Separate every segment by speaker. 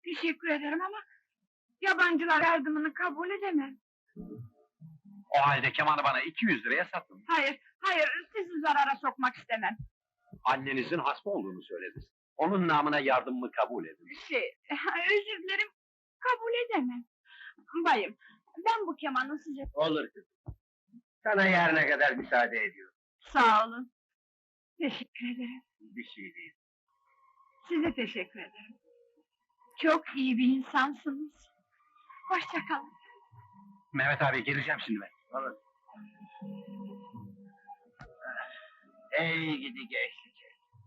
Speaker 1: Teşekkür ederim ama yabancılar yardımını kabul edemem.
Speaker 2: O halde kemanı bana 200 liraya satın.
Speaker 1: Hayır, sizi zarara sokmak istemem.
Speaker 2: Annenizin hasta olduğunu söylediniz. Onun namına yardımımı kabul edin.
Speaker 1: Özür dilerim, kabul edemem. Bayım, ben bu kemanı size...
Speaker 3: Olur kızım. Sana yarına kadar müsaade ediyorum.
Speaker 1: Sağ olun. Teşekkür ederim.
Speaker 3: Bir şey değil.
Speaker 1: Size teşekkür ederim. Çok iyi bir insansınız. Hoşça kalın.
Speaker 2: Mehmet abi geleceğim şimdi ben.
Speaker 3: Olur. Ey gidi gençlik.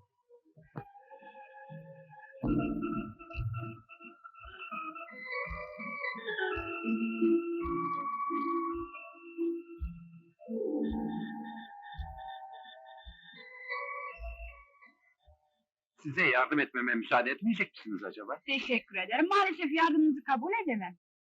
Speaker 2: Size yardım etmeme müsaade etmeyecek misiniz acaba?
Speaker 1: Teşekkür ederim. Maalesef yardımınızı kabul edemem.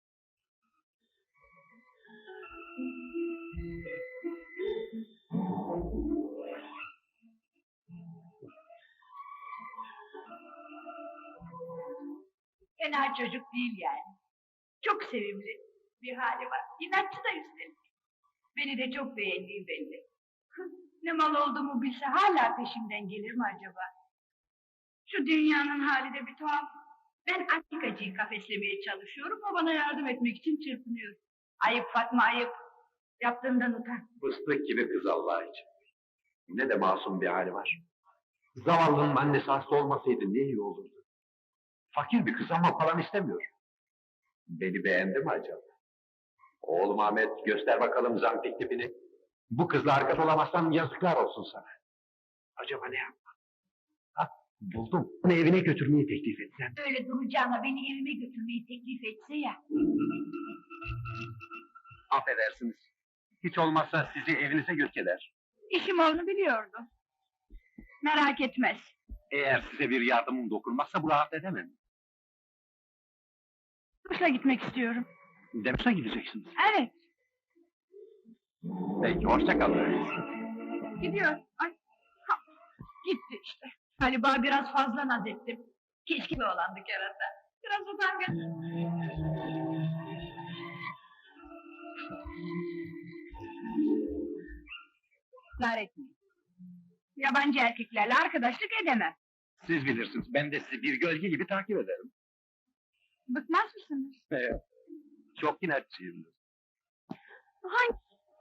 Speaker 1: Fena çocuk değil yani. Çok sevimli bir hali var. İnatçı da üstelik. Beni de çok beğendiği belli. Ne mal olduğumu bilse hala peşimden gelir mi acaba? Şu dünyanın hali de bir tuhaf. Ben antikacıyı kafeslemeye çalışıyorum, o bana yardım etmek için çırpınıyor. Ayıp Fatma, ayıp. Yaptığından utan.
Speaker 2: Fıstık gibi kız Allah için. Ne de masum bir hali var. Zavallının annesi hasta olmasaydı ne iyi olurdu. Fakir bir kız ama falan istemiyor. Beni beğendi mi acaba? Oğlum Ahmet, göster bakalım zampik tipini. Bu kızla arkadaş olamazsan yazıklar olsun sana. Acaba ne yapmam? Buldum. Onu evine götürmeyi teklif etsem.
Speaker 1: Öyle duracağına beni evime götürmeyi teklif etse ya.
Speaker 2: Affedersiniz. Hiç olmazsa sizi evinize götür eder.
Speaker 1: İşim olduğunu biliyordu. Merak etmez.
Speaker 2: Eğer size bir yardımım dokunmazsa bu rahat edemem.
Speaker 1: Kuşla gitmek istiyorum.
Speaker 2: Demişe gideceksiniz.
Speaker 1: Evet,
Speaker 2: Peki, hoşça kalın.
Speaker 1: gidiyor. Ay, gitti işte. Galiba biraz fazla naz ettim. Keşke bir olandı kerata. Biraz utangaç. Israr etmeyin. Yabancı erkeklerle arkadaşlık edemem.
Speaker 2: Siz bilirsiniz, ben de sizi bir gölge gibi takip ederim.
Speaker 1: Bıkmaz mısınız?
Speaker 2: Çok inatçıyımdır.
Speaker 1: Hangi?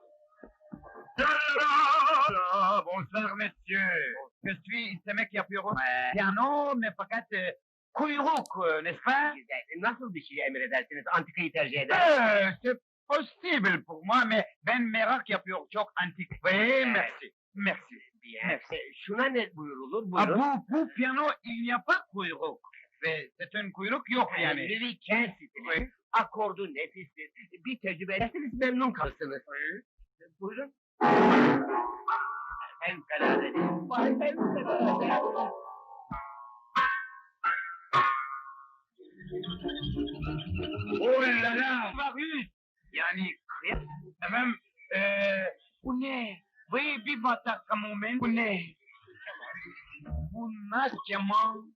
Speaker 3: Bonsoir monsieur. Je suis istemek yapıyorum. Piano me fakat kuyruk, n'est-ce pas? Nasıl bir şey emredersiniz? Antikayı tercih eder. C'est possible pour moi, mais ben merak yapıyorum çok antik. Oui, merci. Merci. Merci. Şuna ne buyurulur? Buyurun. Bu piyano il n'y a pas kuyruk. Ve c'est un kuyruk yok yani. Louis XV. Akordu nefistir. Bir tecrübe ederseniz memnun kalırsınız. Buyurun. Fevkalade değil. Vay fevkalade. Oh la la! Marius! Yani kıyas. Efendim, bu ne? Vay bir batak kamumen. Bu ne? Bu nasıl keman?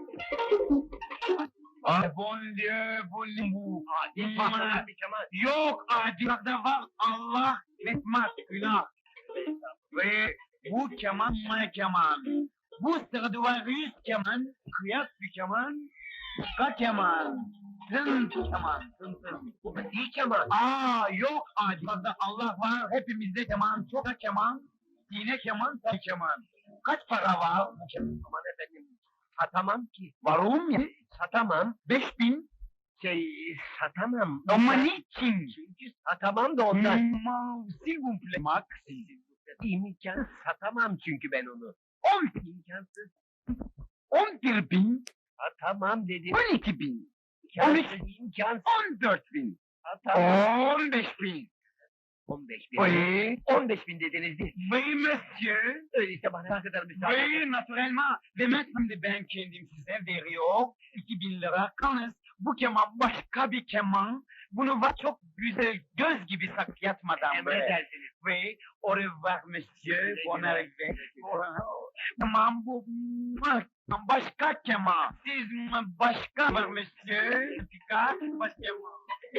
Speaker 3: Ah bon Dieu, bu ne bu? Adi batak bir keman. Yok adi da var Allah etmez günah. Ve bu keman mı keman? Bu Stradivarius keman, kıyas bir keman, ka keman, tın keman, tın. Bu iyi keman. Yok adi da Allah var hepimizde keman, çok da keman, yine keman, ta keman. Kaç para var bu keman? Aman efendim, satamam ki. Varum ya, satamam. 5000. Satamam. Ama niçin? Çünkü satamam da ondan. S'il vous plaît. Max. İmkansız satamam çünkü ben onu. 10.000 imkansız. 11.000. Satamam dedim. 12.000. İmkansız. 14.000. Satamam. 15.000. 15.000. Oui. 15.000 dediniz değil. Oui monsieur. Öyleyse bana ne kadar müsaade. Oui naturellement. Ve şimdi ben kendim size veriyor. 2.000 lira. Yalnız bu keman başka bir keman. Bunu var çok güzel göz gibi yatmadan emredersiniz. Ve au revoir monsieur. Bon arrivé. Tamam bu Başka keman. Siz başka mı monsieur? Picard, başka mı?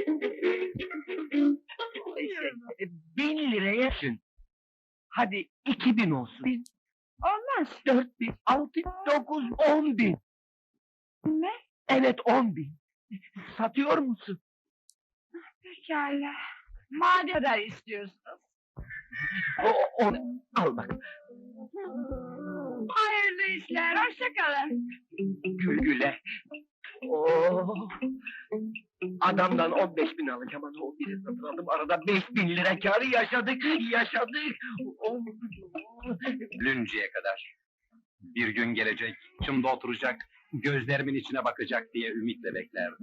Speaker 3: 1000 liraya düşün. Hadi 2000 olsun.
Speaker 1: Olmaz.
Speaker 3: 4000, 6000, 9, 10.000.
Speaker 1: Ne?
Speaker 3: Evet 10.000. Satıyor musun?
Speaker 1: Pekala. Madem kadar istiyorsunuz.
Speaker 3: O, al bak.
Speaker 1: Hayırlı işler, hoşça kalın.
Speaker 3: Gül güle. Oo. Adamdan 15.000 alacağım ama o biri satın aldım. Arada 5.000 lira kârı yaşadık. Oh.
Speaker 2: Lünceye kadar. Bir gün gelecek, çımda oturacak, gözlerimin içine bakacak diye ümitle beklerdim.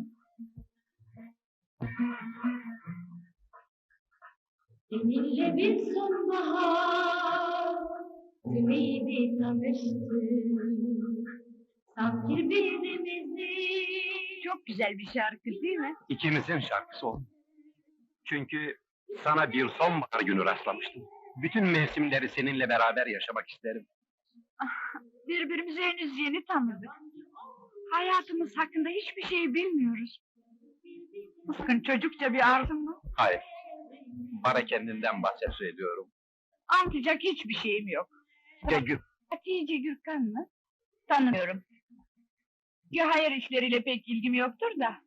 Speaker 4: Seninle bir sonbahar tümüyle tanıştık. Sanki birbirimizi
Speaker 1: Çok güzel bir şarkı değil mi?
Speaker 2: İkimizin şarkısı o. Çünkü sana bir sonbahar günü rastlamıştım. Bütün mevsimleri seninle beraber yaşamak isterim.
Speaker 1: Birbirimizi henüz yeni tanıdık. Hayatımız hakkında hiçbir şey bilmiyoruz. Sakın çocukça bir arzun mu?
Speaker 2: Hayır. Bana kendinden bahset ediyorum.
Speaker 1: Anlatacak hiçbir şeyim yok. Hatice Gürkan mı? Tanımıyorum. Ya hayır işleriyle pek ilgim yoktur da.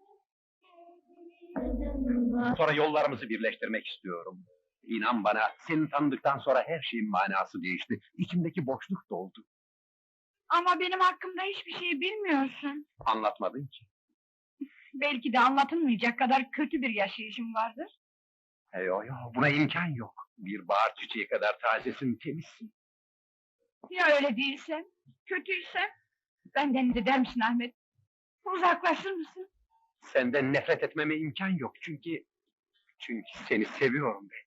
Speaker 2: Sonra yollarımızı birleştirmek istiyorum. İnan bana, seni tanıdıktan sonra her şeyin manası değişti. İçimdeki boşluk doldu.
Speaker 1: Ama benim hakkımda hiçbir şey bilmiyorsun.
Speaker 2: Anlatmadın ki.
Speaker 1: Belki de anlatılmayacak kadar kötü bir yaşayışım vardır.
Speaker 2: Yo, buna imkan yok. Bir bahar çiçeği kadar tazesin, temizsin.
Speaker 1: Ya öyle değilsem, kötüysem, benden de der misin Ahmet? Uzaklaşır mısın?
Speaker 2: Senden nefret etmeme imkan yok çünkü seni seviyorum ben.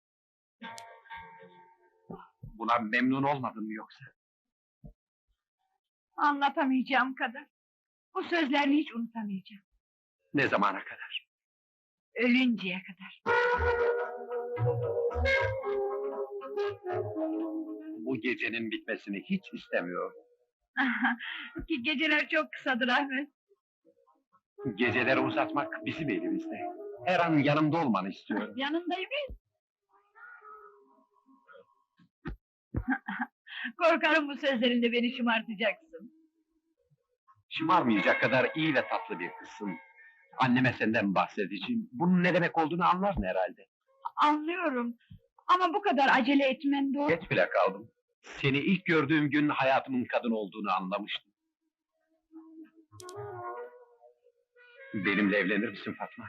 Speaker 2: Buna memnun olmadın mı yoksa?
Speaker 1: Anlatamayacağım kadar. Bu sözlerini hiç unutamayacağım.
Speaker 2: Ne zamana kadar?
Speaker 1: Ölünceye kadar.
Speaker 2: Bu gecenin bitmesini hiç istemiyorum.
Speaker 1: Ki geceler çok kısadır Ahmet.
Speaker 2: Geceleri uzatmak bizim elimizde. Her an yanımda olmanı istiyorum.
Speaker 1: Yanındayım. Korkarım bu sözlerinde beni şımartacaksın.
Speaker 2: Şımarmayacak kadar iyi ve tatlı bir kızsın. Anneme senden bahsedeceğim. Bunun ne demek olduğunu anlarsın herhalde.
Speaker 1: Anlıyorum. Ama bu kadar acele etmen doğru.
Speaker 2: Geç bile kaldım. Seni ilk gördüğüm gün hayatımın kadın olduğunu anlamıştım. Benimle evlenir misin Fatma?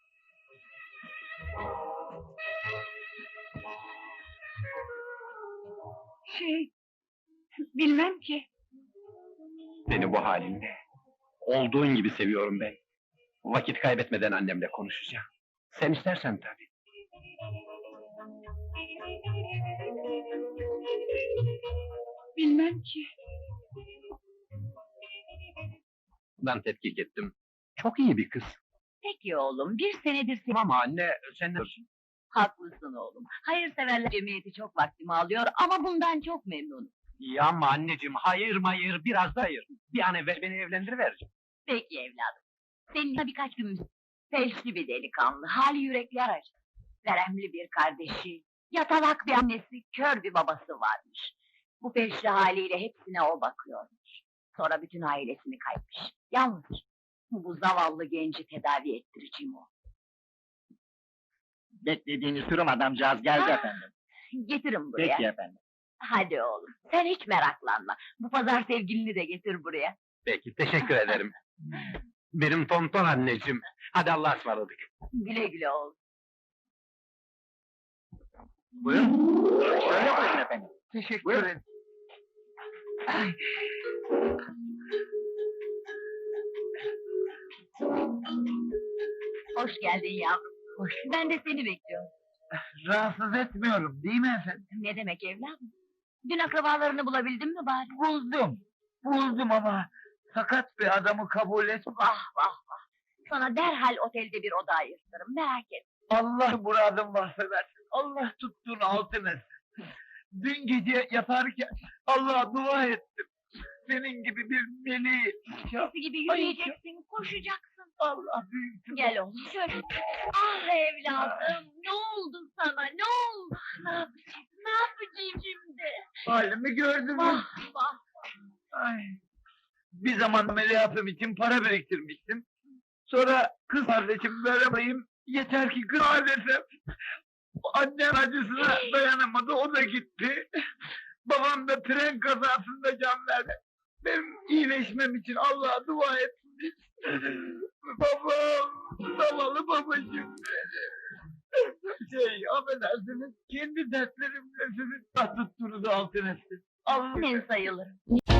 Speaker 1: Bilmem ki.
Speaker 2: Seni bu halinde. Olduğun gibi seviyorum ben. Vakit kaybetmeden annemle konuşacağım. Sen istersen tabii.
Speaker 1: Bilmem ki.
Speaker 2: Ben tetkik ettim. Çok iyi bir kız.
Speaker 5: Peki oğlum, bir senedir seni...
Speaker 2: Ama anne, sen ne...
Speaker 5: Haklısın oğlum. Hayırseverler cemiyeti çok vaktimi alıyor ama bundan çok memnunum.
Speaker 2: Ya ama anneciğim, hayır mayır, biraz da hayır. Bir an evvel beni evlendiriver.
Speaker 5: Peki evladım. Seninle birkaç gün felçli bir delikanlı, hali yürekler acı. Veremli bir kardeşi, yatalak bir annesi, kör bir babası varmış. Bu felçli haliyle hepsine o bakıyormuş. Sonra bütün ailesini kaybetmiş. Yalnız bu zavallı genci tedavi ettireceğim o.
Speaker 3: Beklediğiniz sürüm adamcağız geldi
Speaker 5: Ah,
Speaker 3: efendim.
Speaker 5: Getirin buraya.
Speaker 3: Peki efendim.
Speaker 5: Hadi oğlum, sen hiç meraklanma. Bu pazar sevgilini de getir buraya.
Speaker 2: Peki, teşekkür ederim. Benim tonton anneciğim. Hadi Allah'a ısmarladık.
Speaker 5: Güle güle oğlum.
Speaker 3: Buyurun. Şöyle buyurun efendim.
Speaker 2: Teşekkür
Speaker 3: Buyurun.
Speaker 2: ederim.
Speaker 5: Hoş geldin yavrum.
Speaker 3: Hoş.
Speaker 5: Ben de seni bekliyorum.
Speaker 3: Rahatsız etmiyorum değil mi efendim?
Speaker 5: Ne demek evladım? Dün akrabalarını bulabildin mi bari?
Speaker 3: Buldum ama sakat bir adamı kabul et.
Speaker 5: Vah vah vah! Sana derhal otelde bir oda ayırtırım, merak etme.
Speaker 3: Allah muradım varsa versin. Allah tuttuğunu altın etsin. Dün gece yatarken Allah'a dua ettim. senin gibi bir meleği.
Speaker 5: Eskisi gibi yürüyeceksin, koşacaksın.
Speaker 3: Allah büyüksün.
Speaker 5: Gel oğlum şöyle. Ah evladım, ne oldu sana, ne oldu? Ne yapacağım, ne yapacağım şimdi?
Speaker 3: Halimi gördün mü?
Speaker 5: Vah vah.
Speaker 3: Ay. Bir zaman ameliyatım için para biriktirmiştim. Sonra kız kardeşim veremayayım, yeter ki kız desem. Annem acısına dayanamadı, o da gitti. Babam da tren kazasında can verdi. Benim iyileşmem için Allah'a dua etmiş. Babam, zavallı babacığım. Affedersiniz, kendi dertlerimle sizi tuttuğunuzu altın etsin. Allah
Speaker 5: Ben sayılırım.